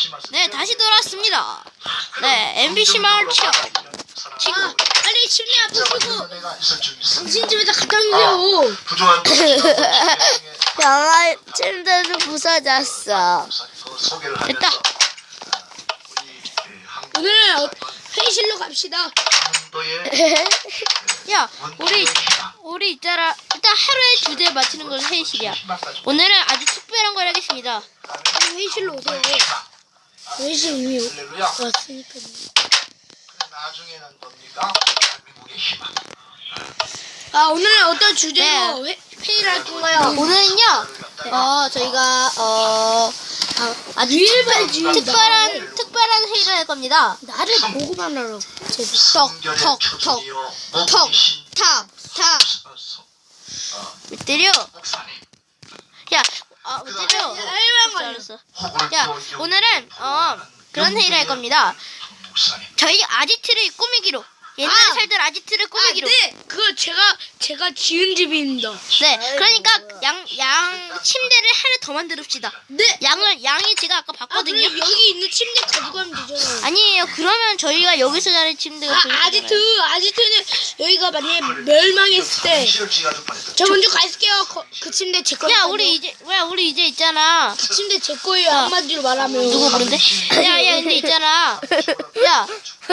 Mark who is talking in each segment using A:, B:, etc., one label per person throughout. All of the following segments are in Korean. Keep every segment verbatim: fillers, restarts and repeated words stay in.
A: 네, 다시 돌아왔습니다. 네, 엠비씨 마을 취업.
B: 지금 빨리 침대 앞에 쓰고 당신 집에다 갖다 놓으세요.
C: 영화 침대도 부서졌어.
A: 됐다.
B: 오늘 회의실로 갑시다.
A: 야, 우리 우리 있잖아. 일단 하루에 주제 맞히는 건 회의실이야. 오늘은 아주 특별한 걸 하겠습니다.
B: 빨리 회의실로 오세요. 회의실 이미 왔으니까.
D: 나중에는 뭡니까? 대한민국의 희망.
B: 아 오늘 어떤 주제로
A: 네.
B: 회, 회의를 할 건가요?
A: 오늘은요, 어 저희가 어 아, 아주 특별, 특별한 특별한 회의를 할 겁니다.
B: 나를 보고만 하라고.
A: 톡톡톡톡탁탁 왜 때려? 야, 아, 왜 때려? 알았어. 야, 오늘은 어 그런 회의를 할 겁니다. 저희 아지트를 꾸미기로. 옛날에
B: 아!
A: 살던 아지트를
B: 아,
A: 꾸미기로.
B: 네. 그거 제가 제가 지은 집입니다.
A: 네, 그러니까 양, 양 침대를 하나 더 만들읍시다.
B: 네.
A: 양을 양이 제가 아까
B: 아,
A: 봤거든요.
B: 그럼 여기 있는 침대 가져가면 되잖아요.
A: 아니에요. 그러면 저희가 여기서 자는 침대가
B: 아,
A: 보이잖아요.
B: 아지트, 아지트는 여기가 만약에 멸망했을 때 저 먼저 갈게요. 거, 그 침대 제 거예요.
A: 야, 우리 이제 왜 우리 이제 있잖아.
B: 그 침대 제 거예요. 한마디로 말하면.
A: 누구 부른데? 야, 야, 근데 있잖아. 야,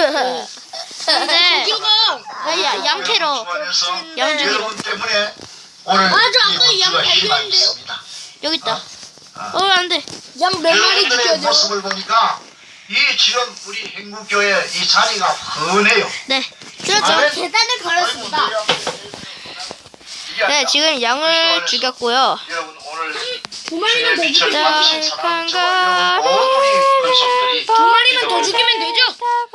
A: 근데
B: 저기가
A: 야, 야, 양캐러. 양중이
D: 여러분 때문에 오늘
B: 아, 저
D: 이
B: 아까 양
D: 원주가 희망이
B: 발견했는데요?
D: 있습니다.
A: 여기 있다. 어, 안 돼.
B: 양 몇 마리
D: 여러분들의
B: 지켜야 돼요.
D: 모습을 보니까 이 지금 우리 행국교회 이 자리가 훤해요.
A: 네, 그렇죠.
D: 아멘.
B: 계단을 걸었습니다.
A: 네, 지금 양을 죽였고요.
D: 여러분 오늘
B: 두 마리만 더
D: 빛을
B: 죽이면
D: 받으신 사랑 저와 여러분 모든 우리 권속들이
B: 두 마리만 더 죽이면 되죠?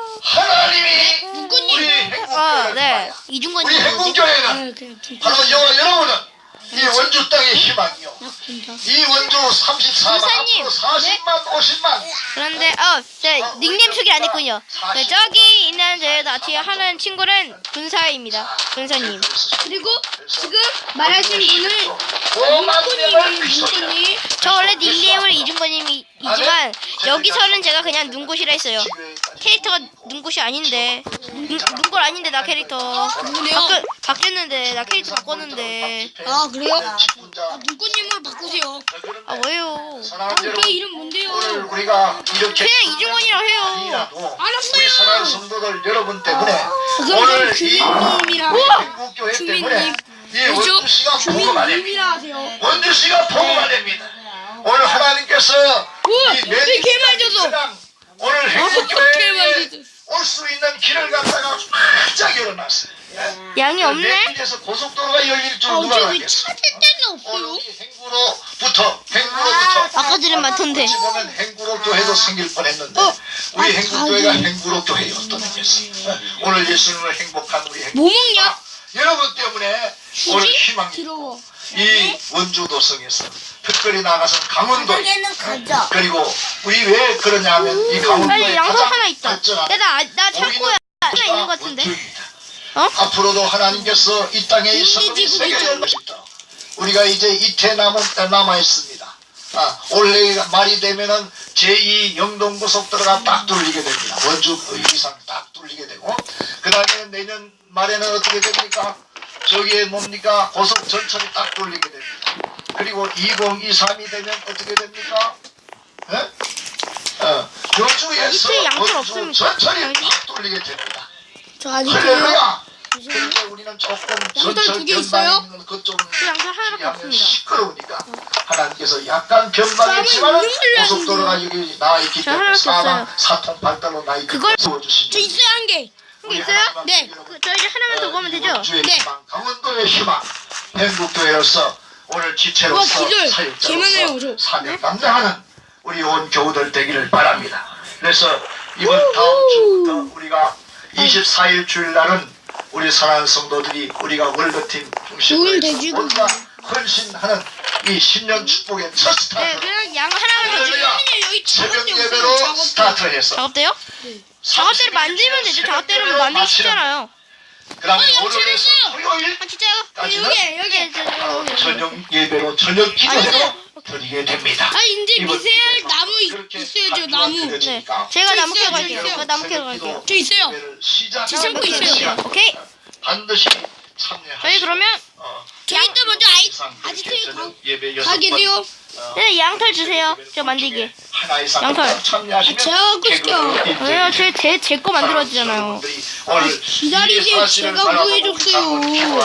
D: 하나님이
B: 누구님?
D: 우리
A: 어,
D: 행국교회
A: 네,
D: 우리
A: 이중권이 뭐지?
D: 행국교회는
B: 아, 그냥 두
D: 바로 여와 여러분은 이 원주 땅의 희망이요. 이 원주 삼십사만
A: 군사님.
D: 앞으로 사십만 오십만
A: 그런데 어, 네, 닉네임 소개 안 했군요. 네, 저기 있는 제 나티에 하는 친구는 군사입니다. 군사님.
B: 그리고 지금 말하신 분은
D: 오만
B: 문구님이
D: 명을 그리스도인이라.
B: 문구님.
A: 저 원래 닉네임은 이중권님이지만 여기서는 제가 그냥 눈꽃이라 했어요. 캐릭터가 눈꽃이 아닌데 눈, 눈꽃 아닌데 나 캐릭터 바뀌, 바뀌었는데 나 캐릭터 바꿨는데
B: 아 그래요?
D: 직분자.
B: 아, 문구님으로 바꾸세요.
A: 아 왜요?
D: 사랑하는
B: 아,
D: 여러분,
B: 걔 이름 뭔데요?
D: 오늘 우리가 이렇게
A: 그냥 이중권이라고 해요.
D: 아니라도
B: 알았어요.
D: 우리 사랑하는 성도들 여러분 때문에
B: 그럼
D: 오늘
B: 저
D: 이
B: 주민님이라
D: 행국교회
B: 주민님.
D: 때문에 이 원주 씨가 보고가 됩니다.
B: 주민님이라 하세요.
D: 원주 씨가 보고가 됩니다. 오늘 하나님께서
B: 우와,
D: 이
B: 왜 개말 줬어?
D: 오늘
B: 개말
D: 행복교회에
B: 줬어.
D: 올 수 있는 길을 갖다가 활짝 열어놨어요.
A: 양이 없네?
D: 내길에서 고속도로가 열릴 줄
B: 아,
D: 누가
B: 어제 왜
D: 알겠어?
B: 찾을 데는
D: 오늘
B: 없어요?
D: 이 행구로부터 행구로부터
A: 아까 전에 많던데.
D: 어찌 보면 행구로교회도 생길 뻔했는데
B: 어.
D: 우리
B: 아,
D: 행구교회가
B: 자기.
D: 행구로교회였던 거겠어. 오늘 예수님을 행복한 우리 행구.
B: 뭐 먹냐?
D: 여러분 때문에 오늘 희망이
B: 더러워.
D: 이 원주도성에서 특별히 나가서 강원도
C: 가져.
D: 그리고 우리 왜 그러냐면 이 강원도에
A: 빨리 양손
D: 가장
A: 하나 있다.
D: 발전한
A: 야, 나, 나 창고에 하나 있는 것 같은데.
D: 원주입니다.
A: 어?
D: 앞으로도 하나님께서 이 땅에 이 성금이 새겨 열고 싶다. 우리가 이제 이태 남은 남아 있습니다. 아, 올해 말이 되면은 제이 영동고속도로가 딱 뚫리게 됩니다. 원주 이상 딱 뚫리게 되고 그 다음에 내년 말에는 어떻게 됩니까? 저기에 뭡니까? 고속 전철이 딱 뚫리게 됩니다. 그리고 이천이십삼이 되면 어떻게 됩니까? 예? 어, 여주에서
A: 이틀 양털
D: 원주
A: 없습니까?
D: 전철이 딱 뚫리게 됩니다.
B: 저 아직
D: 할렐루야! 그런데 우리는 조금
B: 양털
D: 전철
B: 두개 있어요?
D: 변방에 있는 그좀
A: 그 양털 하나밖에 없습니다.
D: 시끄러우니까 하나님께서 약간 변방했지만
B: 쌈을 있는
D: 고속도로가 여기 나와 있기
A: 저
D: 때문에
A: 하나밖에
D: 사방
A: 없어요.
D: 사통 발달로 나 있기
A: 그걸-
D: 때문에 도와주시면
B: 저 있어요 한 개.
A: 한 개 있어요?
B: 네.
A: 그, 저 이제 하나만 더 보면 되죠?
D: 원주의
B: 네.
D: 희망, 강원도의 희망, 행복교회로서 오늘
B: 와,
D: 지체로서
B: 기절.
D: 사역자로서
B: 개만해요, 저.
D: 사명 감당하는 우리 온 교우들 되기를 바랍니다. 그래서 이번 다음 주부터 우리가 이십사 일 주일날은 우리 사랑하는 성도들이 우리가 월드팀
B: 좋은
D: 중심으로
B: 돼지고기.
D: 뭔가 헌신하는 이 신년 축복의 첫
A: 네,
D: 스타트
A: 그냥 양 하나만 더 주면
D: 할렐루야
B: 여기
D: 새벽
B: 작업대 없어요.
D: 예배로
B: 작업대.
D: 스타트해서
A: 작업대요? 작업대를 만들면 되죠. 작업대를 만들기 쉽잖아요.
D: 그 다음에
B: 어,
D: 월요일에서
B: 영천했어요.
D: 토요일
A: 아, 진짜요?
D: 까지는
B: 여기 여기.
D: 저녁 예배로 저녁 기도회로
A: 아니요.
D: 드리게 됩니다.
B: 아 이제
D: 이번
B: 미세할
D: 기도회가
B: 나무 있-
D: 그렇게
B: 있어요. 있어요, 저 나무.
A: 네. 제가
B: 저
A: 나무 캐러
B: 있어요, 저
A: 갈게요.
B: 있어요.
A: 제가 나무 캐러 갈게요.
B: 저 있어요. 제 창고 있어요.
A: 오케이.
D: 반드시 참여하시고
A: 저희 그러면
B: 저희 또 먼저 아이 아지트에 가, 가 계세요.
A: 네, 양털 주세요. 저 만들기. 양털.
D: 참여하시면
B: 아, 제가 갖고 있을게요.
A: 왜요? 제제 제 거 만들어지잖아요.
B: 기다리세요. 제가 구해줬어요.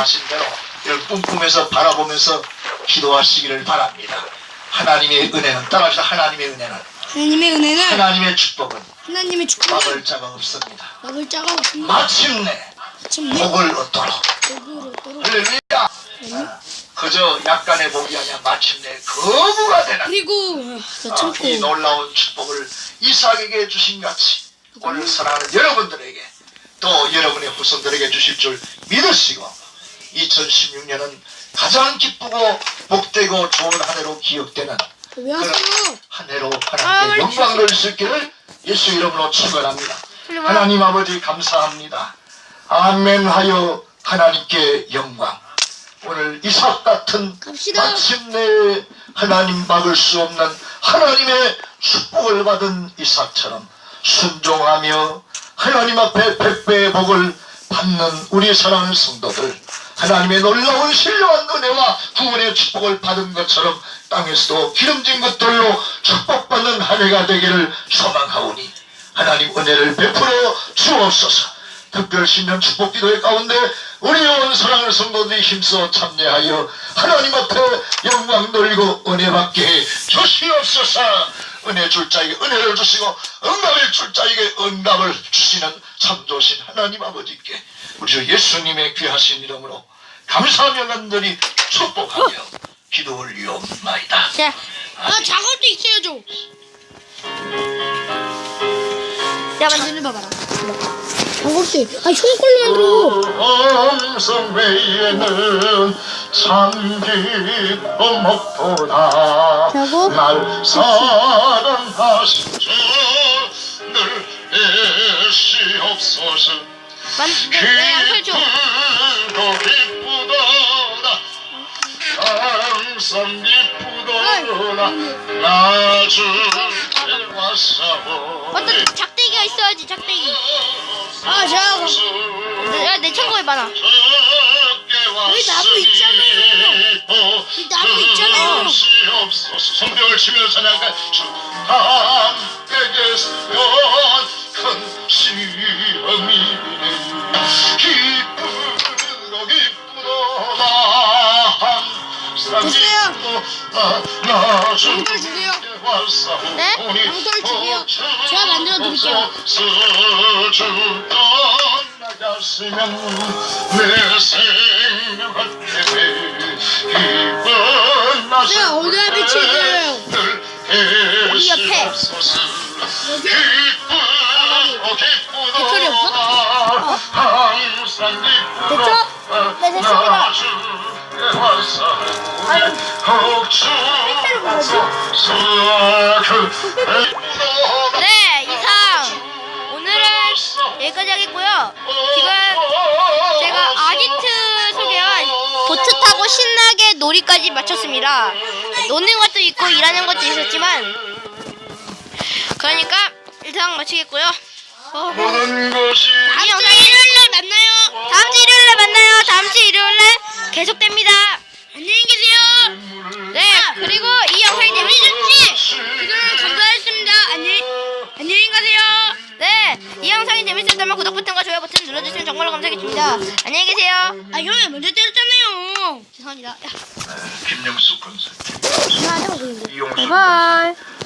D: 뿜뿜해서 바라보면서 기도하시기를 바랍니다. 하나님의 은혜는 따라합시다. 하나님의 은혜는
B: 하나님의 은혜는
D: 하나님의 축복은
B: 하나님의 축복은
D: 막을 자가 없습니다.
B: 막을 자가 없습니다.
D: 마침내
B: 마침내
D: 복을 얻도록
B: 복으로 또록.
D: 할렐루야. 아, 그저 약간의 복이 아니라 마침내 거부가 되는
B: 그리고 저
D: 아,
B: 창고
D: 이 놀라운 축복을 이삭에게 주신 같이 오늘 사랑하는 여러분들에게 또 여러분의 후손들에게 주실 줄 믿으시고 이천십육 년은 가장 기쁘고 복되고 좋은 한 해로 기억되는
B: 왜 하세요?
D: 한 해로
A: 아,
D: 하나님께
A: 빨리
D: 영광 돌릴 수 있기를 예수 이름으로 축원합니다.
A: 빨리 와.
D: 하나님 아버지 감사합니다. 아멘 하여 하나님께 영광. 오늘 이삭 같은
B: 갑시다.
D: 마침내 하나님 막을 수 없는 하나님의 축복을 받은 이삭처럼 순종하며 하나님 앞에 백배의 복을 받는 우리 사랑하는 성도들, 하나님의 놀라운 신령한 은혜와 구원의 축복을 받은 것처럼 땅에서도 기름진 것들로 축복받는 한 해가 되기를 소망하오니 하나님 은혜를 베풀어 주옵소서. 특별 신년 축복 기도회 가운데 우리 온 사랑하는 성도들이 힘써 참여하여 하나님 앞에 영광 돌리고 은혜 받게 해 주시옵소서. 은혜 줄 자에게 은혜를 주시고 응답을 줄 자에게 응답을 주시는 참 좋으신 하나님 아버지께 우리 주 예수님의 귀하신 이름으로 감사하며 간절히 축복하며 기도 올리옵나이다.
A: 자,
B: 아 작업도 있어요 저.
A: 내가 만드는 거 봐라.
B: 작업도 있- 아 형걸로 만들어.
D: 엄성 외에는 참 기쁜 목보다
A: 작업?
D: 날 사랑하신 주늘 애시옵소서.
A: 만, 네, 네, 양털 줘.
D: 기쁘도 기쁘도다 항상 기쁘도다 나 주께 왔사오니
A: 어떤 작대기가 있어야지, 작대기.
B: 아 제가 가-
A: 내, 내 창고에 많아.
B: 여기 나무 있잖아요. 여기 나무 있잖아요.
D: 성벽을 치면서 나가 주 함께 계시면 큰 시험이네. 기쁘도 기쁘도다 항상
B: 됐어요.
D: 기쁘도다 나
B: 양털 주세요.
A: 네?
B: 양털 주세요. 제가 만들어 드릴게요.
D: 제가
B: 어디다 비치세요?
A: 이 옆에.
B: 여기?
D: 배터리
B: 없어?
A: 됐죠? 네, 됐습니다. 네, 이상. 오늘은 여기까지 하겠고요. 지금 제가 아지트 소개한 보트 타고 신나게 놀이까지 마쳤습니다. 노는 것도 있고 일하는 것도 있었지만, 그러니까 이상 마치겠고요. 어,
D: 모든 것이
A: 다음 주 일요일날 만나요. 다음 주 일요일날 만나요. 다음 주 일요일날 계속됩니다. 안녕히 계세요. 네, 그리고 이 영상이 재밌으셨지?
B: 지금 감사했습니다. 안녕 안녕히 가세요.
A: 네, 이 영상이 재밌었다면 구독 버튼과 좋아요 버튼 눌러주시면 정말로 감사하겠습니다. 안녕히 계세요.
B: 아 형이 먼저 때렸잖아요.
A: 죄송합니다. 야,
D: 김영수 군수
B: 하나 하자고 그러는데.
D: 이용수
A: 바이바이.